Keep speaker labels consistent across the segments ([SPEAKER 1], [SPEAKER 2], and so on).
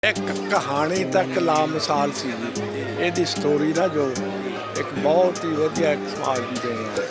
[SPEAKER 1] ਇੱਕ ਕਹਾਣੀ ਤੱਕ ਲਾਮਿਸਾਲ ਸੀ ਜੀ। ਇਹਦੀ ਸਟੋਰੀ ਨਾ ਜੋ ਇੱਕ ਬਹੁਤ ਹੀ ਵਧੀਆ ਇੱਕ ਸਮਾਜ ਦੀ ਦੇਣ ਹੈ।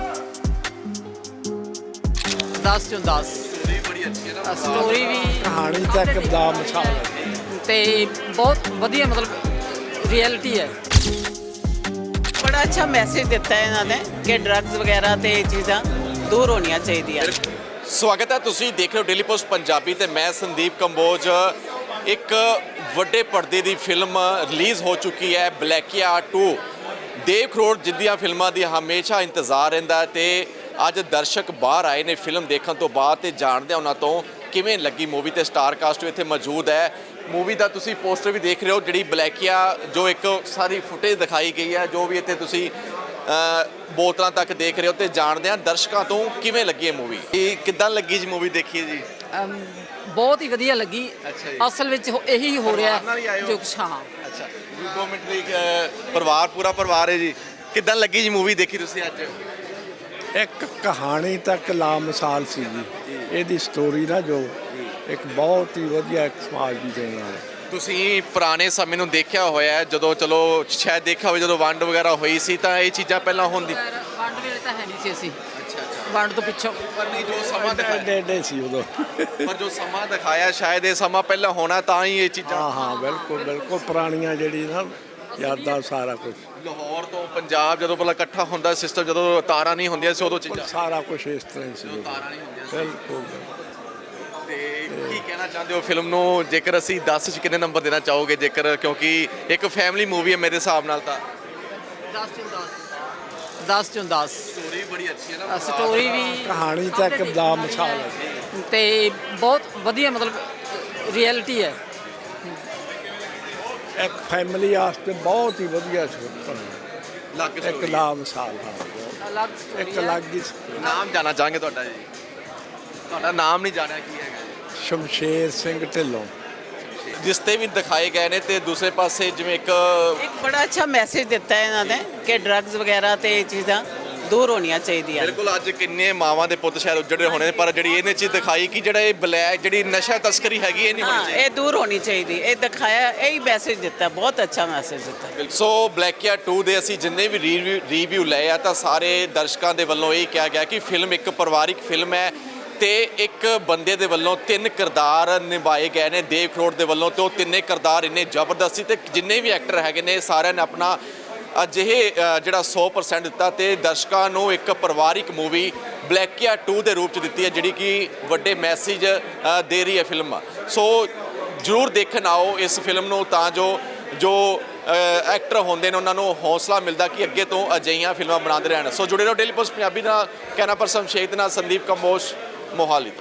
[SPEAKER 2] 10 ਚੋਂ 10
[SPEAKER 3] ਸਟੋਰੀ ਬੜੀ ਅੱਛੀ ਹੈ ਨਾ।
[SPEAKER 2] ਸਟੋਰੀ ਵੀ
[SPEAKER 1] ਕਹਾਣੀ ਤੱਕ ਲਾਮਿਸਾਲ ਹੈ
[SPEAKER 2] ਤੇ ਬਹੁਤ ਵਧੀਆ ਮਤਲਬ ਰਿਐਲਿਟੀ ਹੈ।
[SPEAKER 4] ਬੜਾ ਅੱਛਾ ਮੈਸੇਜ ਦਿੱਤਾ ਹੈ ਇਹਨਾਂ ਨੇ ਕਿ ਡਰੱਗਸ ਵਗੈਰਾ ਤੇ ਇਹ ਚੀਜ਼ਾਂ ਦੂਰ ਹੋਣੀਆਂ ਚਾਹੀਦੀਆਂ।
[SPEAKER 3] ਸਵਾਗਤ ਹੈ, ਤੁਸੀਂ ਦੇਖ ਰਹੇ ਹੋ ਡੇਲੀ ਪੋਸਟ ਪੰਜਾਬੀ ਤੇ ਮੈਂ ਸੰਦੀਪ ਕੰਬੋਜ। ਇੱਕ ਵੱਡੇ ਪਰਦੇ ਦੀ ਫਿਲਮ ਰਿਲੀਜ਼ ਹੋ ਚੁੱਕੀ ਹੈ, ਬਲੈਕੀਆ 2। ਦੇਵ ਕਰੋੜ ਜਿੱਦੀਆਂ ਫਿਲਮਾਂ ਦੀ ਹਮੇਸ਼ਾ ਇੰਤਜ਼ਾਰ ਰਹਿੰਦਾ ਤੇ ਅੱਜ ਦਰਸ਼ਕ ਬਾਹਰ ਆਏ ਨੇ ਫਿਲਮ ਦੇਖਣ ਤੋਂ ਬਾਅਦ ਤੇ ਜਾਣਦੇ ਉਹਨਾਂ ਤੋਂ ਕਿਵੇਂ ਲੱਗੀ ਮੂਵੀ। ਤੇ ਸਟਾਰ ਕਾਸਟ ਵੀ ਇੱਥੇ ਮੌਜੂਦ ਹੈ। ਮੂਵੀ ਦਾ ਤੁਸੀਂ ਪੋਸਟਰ ਵੀ ਦੇਖ ਰਹੇ ਹੋ, ਜਿਹੜੀ ਬਲੈਕੀਆ ਜੋ ਇੱਕ ਸਾਰੀ ਫੁਟੇਜ ਦਿਖਾਈ ਗਈ ਹੈ, ਜੋ ਵੀ ਇੱਥੇ ਤੁਸੀਂ ਬੋਤਲਾਂ ਤੱਕ ਦੇਖ ਰਹੇ ਹੋ। ਤੇ ਜਾਣਦੇ ਹਾਂ ਦਰਸ਼ਕਾਂ ਤੋਂ ਕਿਵੇਂ ਲੱਗੀ ਹੈ ਮੂਵੀ। ਇਹ ਕਿੱਦਾਂ ਲੱਗੀ ਜੀ ਮੂਵੀ ਦੇਖੀ ਜੀ?
[SPEAKER 2] ਬਹੁਤ ਹੀ ਵਧੀਆ ਲੱਗੀ।
[SPEAKER 3] ਅੱਛਾ ਜੀ।
[SPEAKER 2] ਅਸਲ ਵਿੱਚ ਇਹੀ ਹੋ ਰਿਹਾ
[SPEAKER 3] ਨਾਲ ਹੀ ਆਏ ਹੋ?
[SPEAKER 2] ਜੋ ਕੁਛ ਹਾਂ।
[SPEAKER 3] ਅੱਛਾ, 2 ਮਿੰਟ ਲਈ ਪਰਿਵਾਰ ਪੂਰਾ ਪਰਿਵਾਰ ਹੈ ਜੀ। ਕਿੱਦਾਂ ਲੱਗੀ ਜੀ ਮੂਵੀ ਦੇਖੀ ਤੁਸੀਂ ਅੱਜ?
[SPEAKER 1] ਇੱਕ ਕਹਾਣੀ ਤੱਕ ਲਾਮਿਸਾਲ ਸੀ ਜੀ। ਇਹਦੀ ਸਟੋਰੀ ਨਾ ਜੋ ਇੱਕ ਬਹੁਤ ਹੀ ਵਧੀਆ ਇੱਕ ਸਮਾਜ ਦੀ ਦੇਣ ਹੈ।
[SPEAKER 3] ਤੁਸੀਂ ਪੁਰਾਣੇ ਸਮੇਂ ਨੂੰ ਦੇਖਿਆ ਹੋਇਆ ਹੈ, ਜਦੋਂ ਚਲੋ ਸ਼ਾਇਦ ਦੇਖਿਆ ਹੋਵੇ ਜਦੋਂ ਵੰਡ ਵਗੈਰਾ ਹੋਈ ਸੀ ਤਾਂ ਇਹ ਚੀਜ਼ਾਂ ਪਹਿਲਾਂ ਹੁੰਦੀ।
[SPEAKER 2] ਵੰਡ ਵੇਲੇ ਤਾਂ ਹੈ ਨਹੀਂ ਸੀ ਅਸੀਂ,
[SPEAKER 3] ਅੱਛਾ ਅੱਛਾ।
[SPEAKER 2] ਵੰਡ ਤੋਂ ਪਿੱਛੋਂ।
[SPEAKER 3] ਪਰ ਨਹੀਂ ਜੋ ਸਮਾਂ ਦਿਖਾਇਆ,
[SPEAKER 1] ਏਡੇ ਸੀ ਉਦੋਂ।
[SPEAKER 3] ਪਰ ਜੋ ਸਮਾਂ ਦਿਖਾਇਆ ਸ਼ਾਇਦ ਇਹ ਸਮਾਂ ਪਹਿਲਾਂ ਹੋਣਾ ਤਾਂ ਹੀ ਇਹ ਚੀਜ਼ਾਂ।
[SPEAKER 1] ਹਾਂ ਹਾਂ, ਬਿਲਕੁਲ ਬਿਲਕੁਲ ਪੁਰਾਣੀਆਂ ਜਿਹੜੀ ਨਾ ਯਾਦਾਂ ਸਾਰਾ ਕੁਝ
[SPEAKER 3] ਲਾਹੌਰ ਤੋਂ ਪੰਜਾਬ ਜਦੋਂ ਪਹਿਲਾਂ ਇਕੱਠਾ ਹੁੰਦਾ ਸਿਸਟਮ, ਜਦੋਂ ਤਾਰਾਂ ਨਹੀਂ ਹੁੰਦੀਆਂ ਸੀ ਉਦੋਂ ਚੀਜ਼ਾਂ।
[SPEAKER 1] ਸਾਰਾ ਕੁਝ ਇਸ ਤਰ੍ਹਾਂ ਹੀ ਸੀ ਉਦੋਂ।
[SPEAKER 3] ਤਾਰਾਂ ਨਹੀਂ ਹੁੰਦੀਆਂ ਸੀ।
[SPEAKER 1] ਬਿਲਕੁਲ।
[SPEAKER 3] ਤੇ ਕੀ ਕਹਿਣਾ ਚਾਹੁੰਦੇ ਹੋ ਫਿਲਮ ਨੂੰ? ਜੇਕਰ ਅਸੀਂ 10 'ਚ ਕਿੰਨੇ ਨੰਬਰ ਦੇਣਾ ਚਾਹੋਗੇ? ਜੇਕਰ ਕਿਉਂਕਿ ਇੱਕ ਫੈਮਿਲੀ ਮੂਵੀ ਹੈ ਮੇਰੇ ਹਿਸਾਬ ਨਾਲ ਤਾਂ
[SPEAKER 2] 10 ਚੋਂ 10 10 ਚੋਂ 10
[SPEAKER 3] ਸਟੋਰੀ ਬੜੀ ਅੱਛੀ ਹੈ ਨਾ।
[SPEAKER 2] ਸਟੋਰੀ ਵੀ
[SPEAKER 1] ਕਹਾਣੀ ਤੱਕ ਲਾਮਿਸਾਲ ਹੈ।
[SPEAKER 2] ਤੇ ਬਹੁਤ ਵਧੀਆ ਮਤਲਬ ਰਿਐਲਿਟੀ ਹੈ।
[SPEAKER 1] ਇੱਕ ਫੈਮਿਲੀ ਵਾਸਤੇ ਬਹੁਤ ਹੀ ਵਧੀਆ ਸੀ।
[SPEAKER 3] ਲੱਗ
[SPEAKER 1] ਇੱਕ ਲਾਮਿਸਾਲ ਹਾਂ,
[SPEAKER 2] ਅਲੱਗ
[SPEAKER 1] ਇੱਕ
[SPEAKER 2] story ਹੈ।
[SPEAKER 1] ਅਲੱਗ ਹੀ
[SPEAKER 3] ਨਾਮ ਜਾਣਾ ਚਾਹਾਂਗੇ ਤੁਹਾਡਾ ਜੀ? ਤੁਹਾਡਾ ਨਾਮ ਨਹੀਂ ਜਾਣਿਆ ਕੀ ਹੈਗਾ ਜੀ?
[SPEAKER 1] ਸ਼ਮਸ਼ੇਰ ਸਿੰਘ ਢਿੱਲੋਂ।
[SPEAKER 3] ਜਿਸ ਤੇ ਵੀ ਦਿਖਾਏ ਗਏ ਨੇ ਤੇ ਦੂਸਰੇ ਪਾਸੇ ਜਿਵੇਂ ਇੱਕ
[SPEAKER 4] ਇੱਕ ਬੜਾ ਅੱਛਾ ਮੈਸੇਜ ਦਿੱਤਾ ਹੈ ਇਹਨਾਂ ਨੇ ਕਿ ਡਰੱਗਸ ਵਗੈਰਾ ਤੇ ਇਹ ਚੀਜ਼ਾਂ ਦੂਰ ਹੋਣੀਆਂ ਚਾਹੀਦੀਆਂ।
[SPEAKER 3] ਬਿਲਕੁਲ ਅੱਜ ਕਿੰਨੇ ਮਾਵਾਂ ਦੇ ਪੁੱਤ ਸ਼ਾਇਦ ਉੱਜੜੇ ਹੋਣੇ ਨੇ, ਪਰ ਜਿਹੜੀ ਇਹਨੇ ਚੀਜ਼ ਦਿਖਾਈ ਕਿ ਜਿਹੜਾ ਇਹ ਬਲੈਕ ਜਿਹੜੀ ਨਸ਼ਾ ਤਸਕਰੀ ਹੈਗੀ ਇਹ ਨਹੀਂ ਹੋਣੀ
[SPEAKER 4] ਹਾਂ,
[SPEAKER 3] ਚਾਹੀਦੀ।
[SPEAKER 4] ਇਹ ਦੂਰ ਹੋਣੀ ਚਾਹੀਦੀ। ਇਹ ਦਿਖਾਇਆ, ਇਹੀ ਮੈਸੇਜ ਦਿੱਤਾ, ਬਹੁਤ ਅੱਛਾ ਮੈਸੇਜ ਦਿੱਤਾ।
[SPEAKER 3] ਸੋ ਬਲੈਕੀਆ 2 ਦੇ ਅਸੀਂ ਜਿੰਨੇ ਵੀ ਰਿਵਿਊ ਲਏ ਆ ਤਾਂ ਸਾਰੇ ਦਰਸ਼ਕਾਂ ਦੇ ਵੱਲੋਂ ਇਹ ਕਿਹਾ ਗਿਆ ਕਿ ਫਿਲਮ ਇੱਕ ਪਰਿਵਾਰਿਕ ਫਿਲਮ ਹੈ ਤੇ ਇੱਕ ਬੰਦੇ ਦੇ ਵੱਲੋਂ 3 ਕਿਰਦਾਰ ਨਿਭਾਏ ਗਏ ਨੇ ਦੇਵ ਕਰੋੜ ਦੇ ਵੱਲੋਂ, ਤੇ ਉਹ ਤਿੰਨੇ ਕਿਰਦਾਰ ਇੰਨੇ ਜ਼ਬਰਦਸਤ ਸੀ ਤੇ ਜਿੰਨੇ ਵੀ ਐਕਟਰ ਹੈਗੇ ਨੇ ਸਾਰਿਆਂ ਨੇ ਆਪਣਾ ਅਜਿਹੇ ਜਿਹੜਾ 100% ਦਿੱਤਾ ਤੇ ਦਰਸ਼ਕਾਂ ਨੂੰ ਇੱਕ ਪਰਿਵਾਰਿਕ ਮੂਵੀ ਬਲੈਕੀਆ 2 ਦੇ ਰੂਪ 'ਚ ਦਿੱਤੀ ਹੈ, ਜਿਹੜੀ ਕਿ ਵੱਡੇ ਮੈਸੇਜ ਦੇ ਰਹੀ ਹੈ ਫਿਲਮ। ਸੋ ਜ਼ਰੂਰ ਦੇਖਣ ਆਓ ਇਸ ਫਿਲਮ ਨੂੰ ਤਾਂ ਜੋ ਐਕਟਰ ਹੁੰਦੇ ਨੇ ਉਹਨਾਂ ਨੂੰ ਹੌਸਲਾ ਮਿਲਦਾ ਕਿ ਅੱਗੇ ਤੋਂ ਅਜਿਹੀਆਂ ਫਿਲਮਾਂ ਬਣਾਉਂਦੇ ਰਹਿਣ। ਸੋ ਜੁੜੇ ਰਹੋ ਡੇਲੀ ਪੋਸਟ ਪੰਜਾਬੀ ਨਾਲ। ਕਹਿਣਾ ਪਰ ਸ਼ਮਸ਼ੇਰ ਨਾਲ ਸੰਦੀਪ ਕੰਬੋਜ, ਮੋਹਾਲੀ ਤੋਂ।